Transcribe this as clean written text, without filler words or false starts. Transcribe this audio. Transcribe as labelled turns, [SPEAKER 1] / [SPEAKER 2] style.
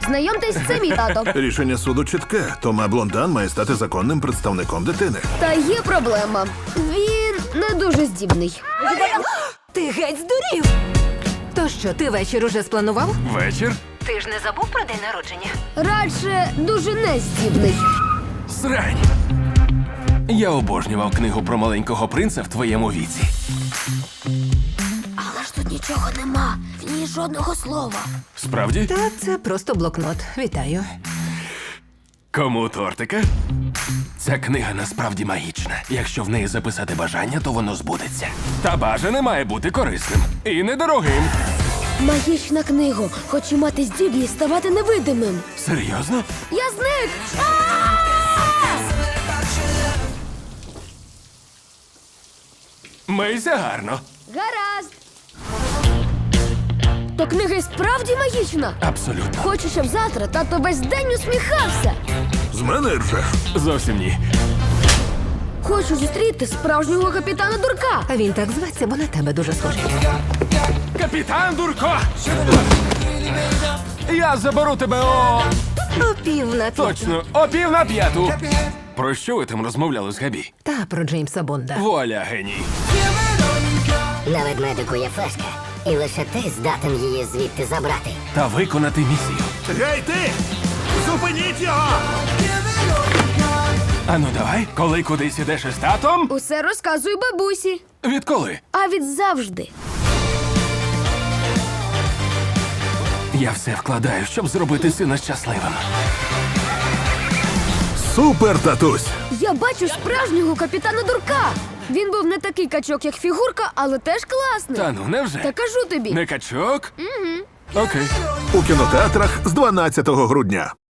[SPEAKER 1] Знайомтесь, це мій тато.
[SPEAKER 2] Рішення суду чітке. Тома Блондан має стати законним представником дитини.
[SPEAKER 1] Та є проблема. Він не дуже здібний.
[SPEAKER 3] Ти геть здурів! То що, ти вечір уже спланував?
[SPEAKER 4] Вечір?
[SPEAKER 3] Ти ж не забув про день народження?
[SPEAKER 1] Радше дуже нездібний.
[SPEAKER 4] Срань. Я обожнював книгу про маленького принца в твоєму віці.
[SPEAKER 1] Але ж тут нічого нема. В ній жодного слова.
[SPEAKER 4] Справді?
[SPEAKER 3] Та це просто блокнот. Вітаю.
[SPEAKER 4] Кому тортика? Ця книга насправді магічна. Якщо в неї записати бажання, то воно збудеться. Та бажане має бути корисним і недорогим.
[SPEAKER 1] Магічна книга. Хочу мати здібність ставати невидимим.
[SPEAKER 4] Серйозно?
[SPEAKER 1] Я зник!
[SPEAKER 4] Мийся гарно.
[SPEAKER 1] Гаразд. То книга і справді магічна.
[SPEAKER 4] Абсолютно.
[SPEAKER 1] Хочу, щоб завтра тато весь день усміхався.
[SPEAKER 2] З мене ржеш.
[SPEAKER 4] Зовсім ні.
[SPEAKER 1] Хочу зустріти справжнього капітана Дурка.
[SPEAKER 3] А він так зветься, бо на тебе дуже схожий.
[SPEAKER 4] Капітан Дурко! Я заберу тебе о...
[SPEAKER 3] О 4:30.
[SPEAKER 4] Точно, о 4:45. Про що ви там розмовляли з Габі?
[SPEAKER 3] Та про Джеймса Бонда.
[SPEAKER 4] Вуаля, геній.
[SPEAKER 5] На ведмедику є флешка, і лише ти здатен її звідти забрати.
[SPEAKER 4] Та виконати місію.
[SPEAKER 2] Гей, ти! Зупиніть його!
[SPEAKER 4] Ану давай, коли кудись ідеш із татом?
[SPEAKER 1] Усе розказую бабусі.
[SPEAKER 4] Відколи?
[SPEAKER 1] А від завжди.
[SPEAKER 4] Я все вкладаю, щоб зробити сина щасливим.
[SPEAKER 2] Супер, татусь!
[SPEAKER 1] Я бачу справжнього капітана Дурка. Він був не такий качок, як фігурка, але теж класний.
[SPEAKER 4] Та ну, невже?
[SPEAKER 1] Та кажу тобі.
[SPEAKER 4] Не качок? Угу. Окей.
[SPEAKER 2] У кінотеатрах з 12 грудня.